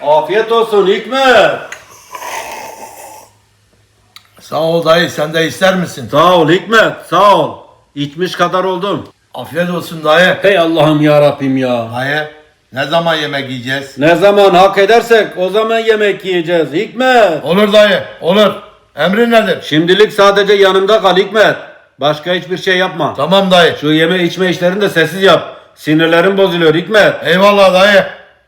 Afiyet olsun Hikmet. Sağ ol dayı, sen de ister misin? Sağ ol Hikmet, sağ ol. İçmiş kadar oldum. Afiyet olsun dayı. Hey Allah'ım ya Rabbim ya. Dayı, ne zaman yemek yiyeceğiz? Ne zaman hak edersek o zaman yemek yiyeceğiz Hikmet. Olur dayı, olur. Emrin nedir? Şimdilik sadece yanımda kal Hikmet. Başka hiçbir şey yapma. Tamam dayı. Şu yeme içme işlerini de sessiz yap. Sinirlerim bozuluyor Hikmet. Eyvallah dayı.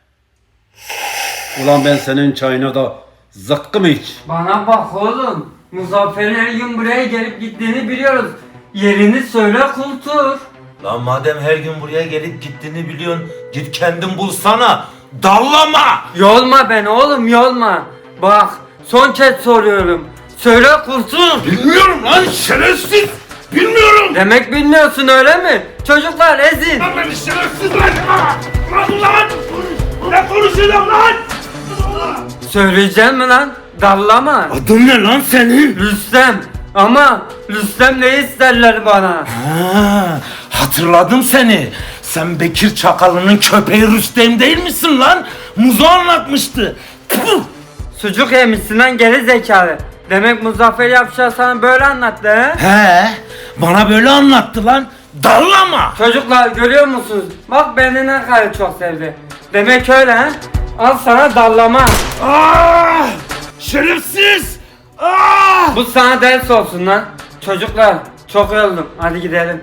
Ulan ben senin çayına da zıkkım iç. Bana bak oğlum. Muzaffer'in her gün buraya gelip gittiğini biliyoruz. Yerini söyle kultur. Lan madem her gün buraya gelip gittiğini biliyorsun, git kendin bulsana. Dallama! Yolma beni oğlum yolma. Bak son kez soruyorum. Söyle kultur. Bilmiyorum lan şerefsiz! Bilmiyorum! Demek bilmiyorsun öyle mi? Çocuklar ezin. Lan beni şerefsiz lan! Lan! Ne konuşuyorsun lan? Söyleyeceğim mi lan? Dallama. Adın ne lan senin? Rüstem. Ama Rüstem ne isterler bana? Ha, hatırladım seni. Sen Bekir Çakalı'nın köpeği Rüstem değil misin lan? Muzo anlatmıştı. Tüh! Sucuk yemişsin lan geri zekalı. Demek Muzaffer Yapışar sana böyle anlattı he? He, bana böyle anlattı lan. Dallama! Çocuklar görüyor musunuz? Bak beni ne kadar çok sevdi. Demek öyle he? Al sana dallama. Ah! Şerefsiz! Ah! Bu sana ders olsun lan. Çocuklar çok yoruldum. Hadi gidelim.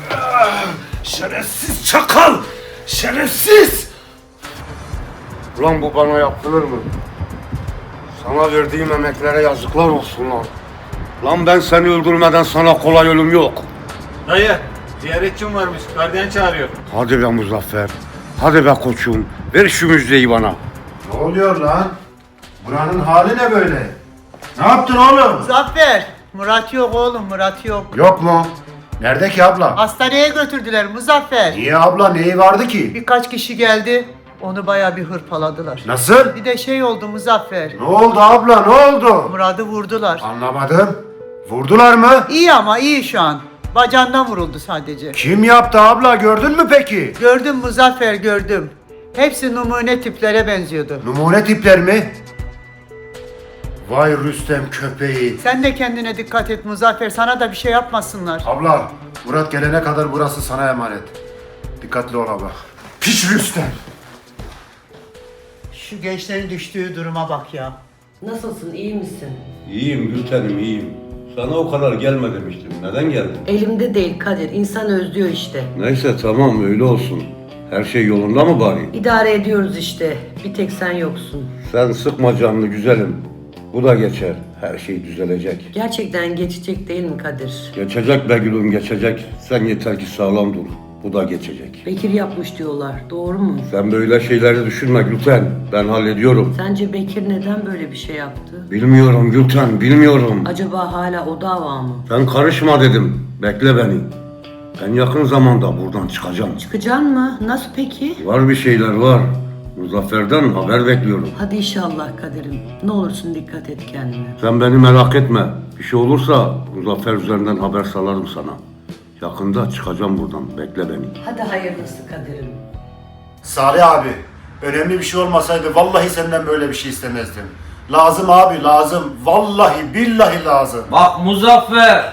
Şerefsiz çakal! Şerefsiz! Ulan bu bana yapılır mı? Sana verdiğim emeklere yazıklar olsun lan. Lan ben seni öldürmeden sana kolay ölüm yok. Dayı, ziyaretçim varmış. Gardiyan çağırıyor. Hadi be Muzaffer. Hadi be koçum. Ver şu müjdeyi bana. Ne oluyor lan? Buranın hali ne böyle? Ne yaptın oğlum? Muzaffer, Murat yok oğlum, Murat yok. Yok mu? Nerede ki abla? Hastaneye götürdüler Muzaffer. Niye abla, neyi vardı ki? Birkaç kişi geldi, onu bayağı bir hırpaladılar. Nasıl? Bir de şey oldu Muzaffer, Ne oldu abla, ne oldu? Murat'ı vurdular. Anlamadım. Vurdular mı? İyi ama iyi şu an. Bacağından vuruldu sadece. Kim yaptı abla, gördün mü peki? Gördüm Muzaffer, gördüm. Hepsi numune tiplere benziyordu. Numune tipler mi? Vay Rüstem köpeği. Sen de kendine dikkat et Muzaffer, sana da bir şey yapmasınlar. Abla, Murat gelene kadar burası sana emanet. Dikkatli ol abla. Piç Rüstem. Şu gençlerin düştüğü duruma bak ya. Nasılsın, iyi misin? İyiyim Gültenim iyiyim. Sana o kadar gelme demiştim. Neden geldin? Elimde değil Kadir, insan özlüyor işte. Neyse tamam öyle olsun. Her şey yolunda mı bari? İdare ediyoruz işte, bir tek sen yoksun. Sen sıkma canını güzelim. Bu da geçer. Her şey düzelecek. Gerçekten geçecek değil mi Kadir? Geçecek be gülüm geçecek. Sen yeter ki sağlam dur. Bu da geçecek. Bekir yapmış diyorlar, doğru mu? Sen böyle şeyleri düşünme Gülten. Ben hallediyorum. Sence Bekir neden böyle bir şey yaptı? Bilmiyorum Gülten, bilmiyorum. Acaba hala o dava mı? Sen karışma dedim. Bekle beni. En yakın zamanda buradan çıkacağım. Çıkacaksın mı? Nasıl peki? Var bir şeyler var. Muzaffer'den haber bekliyorum. Hadi inşallah Kadir'im. Ne olursun dikkat et kendine. Sen beni merak etme. Bir şey olursa Muzaffer üzerinden haber salarım sana. Yakında çıkacağım buradan. Bekle beni. Hadi hayırlısı Kadir'im. Salih abi, önemli bir şey olmasaydı vallahi senden böyle bir şey istemezdim. Lazım abi, lazım. Vallahi billahi lazım. Bak Muzaffer.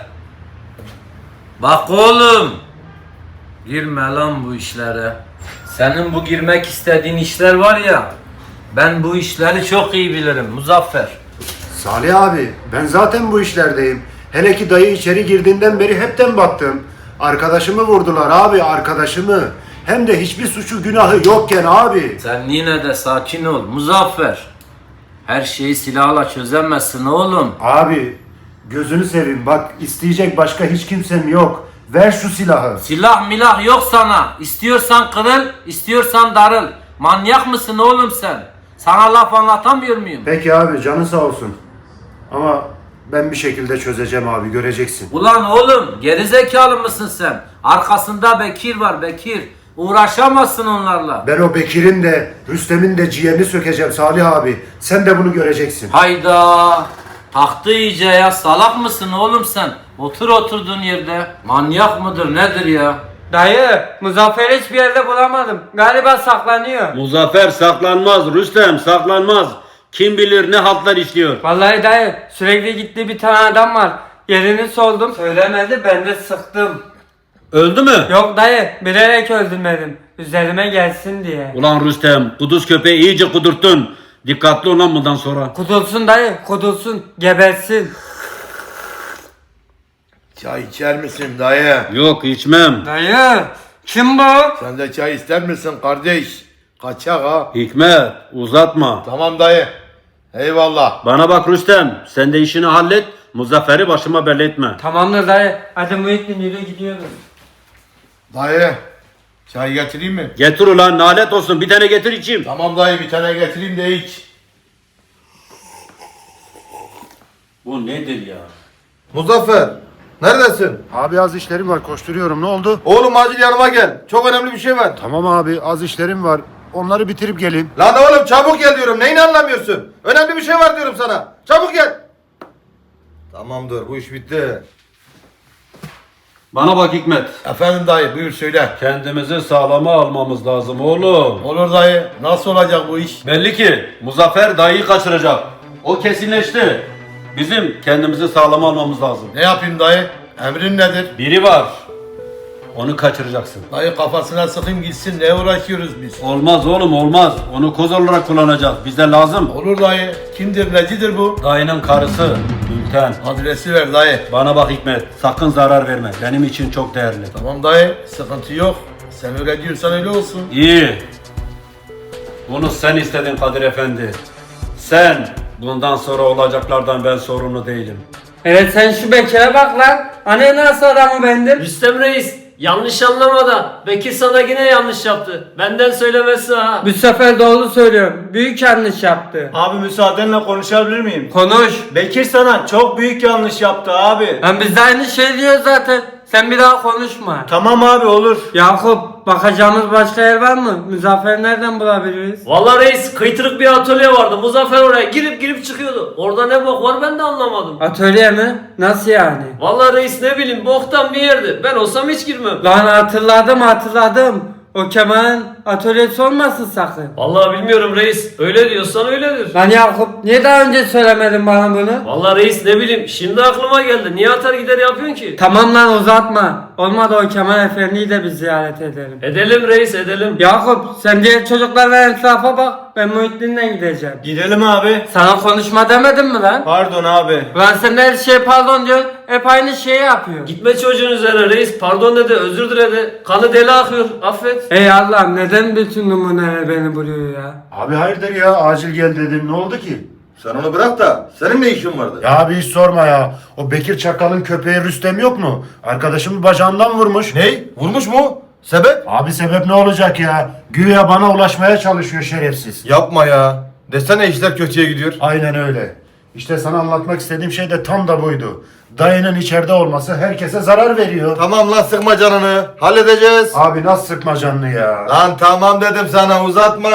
Bak oğlum. Girme lan bu işlere. Senin bu girmek istediğin işler var ya. Ben bu işleri çok iyi bilirim Muzaffer. Salih abi, ben zaten bu işlerdeyim. Hele ki dayı içeri girdiğinden beri hepten baktım. Arkadaşımı vurdular abi, arkadaşımı. Hem de hiçbir suçu günahı yokken abi. Sen yine de sakin ol Muzaffer. Her şeyi silahla çözemezsin oğlum. Abi, gözünü seveyim bak, isteyecek başka hiç kimsem yok. Ver şu silahı. Silah milah yok sana. İstiyorsan kırıl, istiyorsan darıl. Manyak mısın oğlum sen? Sana laf anlatamıyor muyum? Peki abi, canın sağ olsun. Ama ben bir şekilde çözeceğim abi, göreceksin. Ulan oğlum gerizekalı mısın sen? Arkasında Bekir var Bekir. Uğraşamazsın onlarla. Ben o Bekir'in de, Rüstem'in de ciğerini sökeceğim Salih abi. Sen de bunu göreceksin. Hayda. Taktı iyice ya. Salak mısın oğlum sen? Otur oturduğun yerde. Manyak mıdır nedir ya? Dayı, Muzaffer'i hiçbir yerde bulamadım. Galiba saklanıyor. Muzaffer saklanmaz Rüstem, saklanmaz. Kim bilir ne haltlar işliyor. Vallahi dayı, sürekli gittiği bir tane adam var. Yerini sordum. Söylemedi, ben de sıktım. Öldü mü? Yok dayı, bilerek öldürmedim. Üzerime gelsin diye. Ulan Rüstem, kuduz köpeği iyice kudurttun. Dikkatli ol lan bundan sonra. Kudursun dayı, kudursun, gebersin. Çay içer misin dayı? Yok içmem. Dayı, kim bu? Sen de çay ister misin kardeş? Kaçak ha. Hikmet uzatma. Tamam dayı. Eyvallah. Bana bak Rüstem, sen de işini hallet. Muzaffer'i başıma belli etme. Tamamdır dayı, hadi Muhittin yürü gidiyoruz. Dayı. Çay getireyim mi? Getir ulan, nalet olsun, bir tane getir içeyim. Tamam dayı, bir tane getireyim de iç. Bu nedir ya? Muzaffer. Neredesin? Abi az işlerim var, koşturuyorum. Ne oldu? Oğlum acil yanıma gel. Çok önemli bir şey var. Tamam abi, az işlerim var. Onları bitirip geleyim. Lan oğlum çabuk gel diyorum. Neyini anlamıyorsun? Önemli bir şey var diyorum sana. Çabuk gel. Tamamdır, bu iş bitti. Bana bak Hikmet. Efendim dayı, buyur söyle. Kendimizi sağlama almamız lazım oğlum. Olur dayı. Nasıl olacak bu iş? Belli ki Muzaffer dayıyı kaçıracak. O kesinleşti. Bizim kendimizi sağlama almamız lazım. Ne yapayım dayı? Emrin nedir? Biri var. Onu kaçıracaksın. Dayı kafasına sıkayım gitsin. Ne uğraşıyoruz biz? Olmaz oğlum olmaz. Onu koz olarak kullanacağız. Bize lazım. Olur dayı. Kimdir, necidir bu? Dayının karısı Gülten. Adresi ver dayı. Bana bak Hikmet. Sakın zarar verme. Benim için çok değerli. Tamam dayı, sıkıntı yok. Sen öyle diyorsan öyle olsun. İyi. Bunu sen istedin Kadir Efendi. Sen. Bundan sonra olacaklardan ben sorumlu değilim. Evet sen şu Bekir'e bak lan. Hani nasıl adamı bendim? Rüstem Reis, yanlış anlama da Bekir sana yine yanlış yaptı. Benden söylemesi ha. Bu sefer doğru söylüyorum. Büyük yanlış yaptı. Abi müsaadenle konuşabilir miyim? Konuş. Bekir sana çok büyük yanlış yaptı abi. Lan biz de aynı şey diyoruz zaten. Sen bir daha konuşma. Tamam abi olur. Yakup, bakacağımız başka yer var mı? Muzaffer'i nereden bulabiliriz? Vallahi reis kıytırık bir atölye vardı. Muzaffer oraya girip çıkıyordu. Orada ne bok var ben de anlamadım. Atölye mi? Nasıl yani? Vallahi reis ne bileyim boktan bir yerdi. Ben olsam hiç girmem. Lan hatırladım. O Kemal'in atölyesi olmasın sakın. Vallahi bilmiyorum reis. Öyle diyorsan öyledir. Lan Yakup, niye daha önce söylemedin bana bunu? Vallahi reis ne bileyim şimdi aklıma geldi. Niye atar gider yapıyorsun ki? Tamam lan uzatma. Olmadı o Kemal Efendi'yi de biz ziyaret edelim. Edelim reis edelim. Yakup, sen diğer çocuklarla etrafa bak. Ben Muhittin'le gideceğim. Gidelim abi. Sana konuşma demedim mi lan? Pardon abi. Lan sen de her şeye pardon diyorsun. Hep aynı şeyi yapıyor. Gitme çocuğun üzerine reis. Pardon dedi, özür diledi. Kanı deli akıyor. Affet. Ey Allah'ım, neden bütün numuneler beni buluyor ya? Abi hayırdır ya, acil gel dedim. Ne oldu ki? Sen onu bırak da senin ne işin vardı? Ya abi hiç sorma ya. O Bekir Çakal'ın köpeği Rüstem yok mu? Arkadaşımı bacağından vurmuş. Ney? Vurmuş mu? Sebep? Abi sebep ne olacak ya? Güya bana ulaşmaya çalışıyor şerefsiz. Yapma ya. Desene işler kötüye gidiyor. Aynen öyle. İşte sana anlatmak istediğim şey de tam da buydu. Dayının içeride olması herkese zarar veriyor. Tamam lan sıkma canını. Halledeceğiz. Abi nasıl sıkma canını ya? Lan tamam dedim sana uzatma.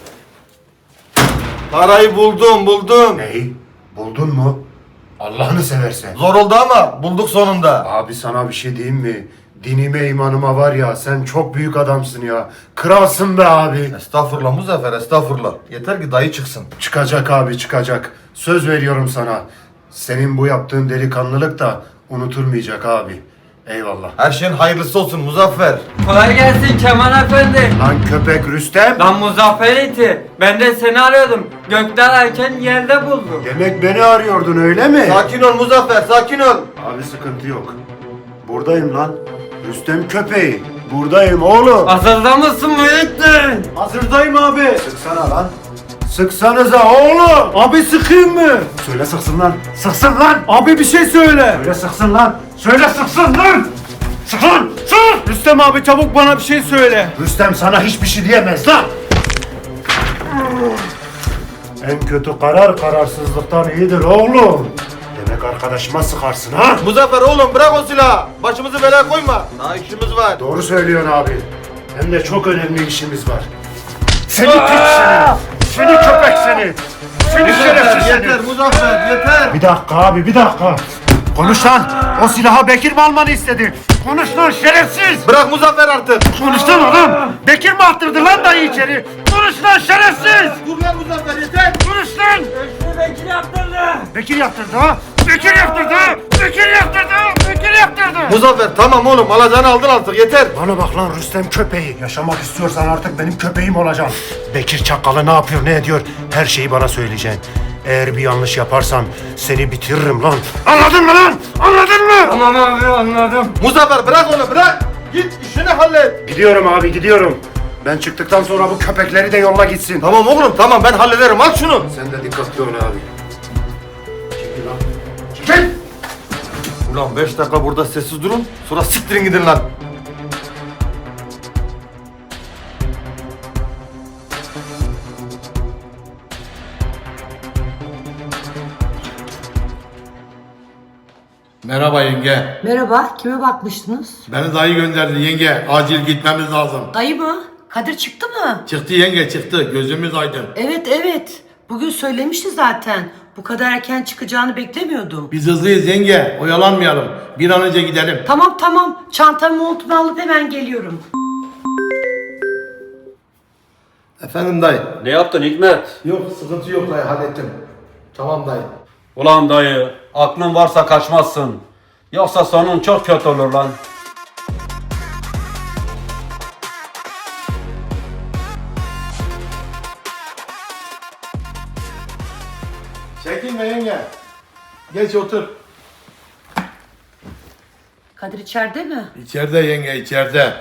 Parayı buldum. Neyi? Buldun mu? Allah'ını seversen. Zor oldu ama bulduk sonunda. Abi sana bir şey diyeyim mi? Dinime imanıma var ya, sen çok büyük adamsın ya. Kralsın be abi. Estağfurullah Muzaffer, estağfurullah. Yeter ki dayı çıksın. Çıkacak abi, çıkacak. Söz veriyorum sana. Senin bu yaptığın delikanlılık da unutulmayacak abi. Eyvallah. Her şeyin hayırlısı olsun Muzaffer. Kolay gelsin Kemal Efendi. Lan köpek Rüstem. Lan Muzaffer iti. Ben de seni arıyordum. Gökten erken yerde buldum. Demek beni arıyordun öyle mi? Sakin ol Muzaffer, sakin ol. Abi sıkıntı yok. Buradayım lan. Rüstem köpeği. Buradayım oğlum. Hazırda mısın Muhittin? Hazırdayım abi. Sıksana lan. Sıksanıza oğlum. Abi sıkayım mı? Söyle sıksın lan. Sıksın lan. Abi bir şey söyle. Söyle sıksın lan. Söyle sıksın lan. Sık lan. Sık. Rüstem abi çabuk bana bir şey söyle. Rüstem sana hiçbir şey diyemez lan. En kötü karar kararsızlıktan iyidir oğlum. Demek arkadaşıma sıkarsın ha? Muzaffer oğlum bırak o silahı. Başımızı belaya koyma. Daha işimiz var. Doğru söylüyorsun abi. Hem de çok önemli işimiz var. Seni piç seni. Seni köpek seni. Seni şerefsiz seni. Yeter Muzaffer yeter. Bir dakika abi, bir dakika. Konuş lan. O silahı Bekir mi almanı istedi? Konuş lan şerefsiz. Bırak Muzaffer artık. Konuş lan oğlum. Bekir mi attırdı lan dayı içeri? Konuş lan şerefsiz. Dur lan Muzaffer yeter. Konuş lan. Bekir yaptırdı. Bekir yaptırdı ha. Bekir yaptırdı. Bekir yaptırdı. Bekir yaptırdı. Muzaffer tamam oğlum alacağını aldın artık yeter. Bana bak lan Rüstem köpeği. Yaşamak istiyorsan artık benim köpeğim olacaksın. Bekir Çakalı ne yapıyor ne ediyor her şeyi bana söyleyeceksin. Eğer bir yanlış yaparsan seni bitiririm lan. Anladın mı lan? Anladın mı? Tamam abi anladım. Muzaffer bırak onu bırak. Git işini hallet. Gidiyorum abi gidiyorum. Ben çıktıktan sonra bu köpekleri de yolla gitsin. Tamam oğlum tamam ben hallederim al şunu. Sen de dikkatli ol abi. Çekil lan. Çekil! Ulan 5 dakika burada sessiz durun sonra siktirin gidin lan. Merhaba yenge. Merhaba, kime bakmıştınız? Beni dayı gönderdi yenge. Acil gitmemiz lazım. Dayı mı? Kadir çıktı mı? Çıktı yenge çıktı. Gözümüz aydın. Evet. Bugün söylemişti zaten. Bu kadar erken çıkacağını beklemiyordum. Biz hızlıyız yenge. Oyalanmayalım. Bir an önce gidelim. Tamam. Çantamı montumu alıp hemen geliyorum. Efendim dayı. Ne yaptın Hikmet? Yok sıkıntı yok dayı hallettim. Tamam dayı. Ulan dayı, aklın varsa kaçmazsın. Yoksa sonun çok kötü olur lan. Çekinme yenge. Geç otur. Kadir içeride mi? İçeride yenge içeride.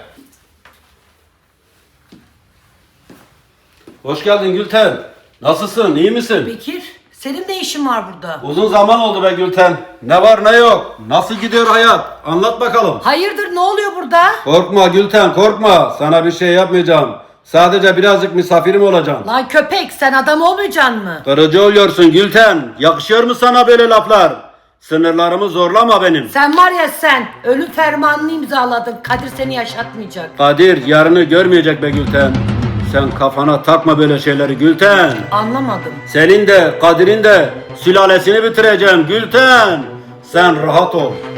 Hoş geldin Gülten. Nasılsın, iyi misin? Bekir, senin ne işin var burada? Uzun zaman oldu be Gülten. Ne var ne yok. Nasıl gidiyor hayat? Anlat bakalım. Hayırdır, ne oluyor burada? Korkma Gülten, korkma. Sana bir şey yapmayacağım. Sadece birazcık misafirim olacağım. Lan köpek, sen adam olmayacaksın mı? Kırıcı oluyorsun Gülten. Yakışıyor mu sana böyle laflar? Sınırlarımı zorlama benim. Sen var ya sen, ölüm fermanını imzaladın. Kadir seni yaşatmayacak. Kadir yarını görmeyecek be Gülten. Sen kafana takma böyle şeyleri Gülten. Anlamadım. Senin de Kadir'in de sülalesini bitireceğim Gülten. Sen rahat ol.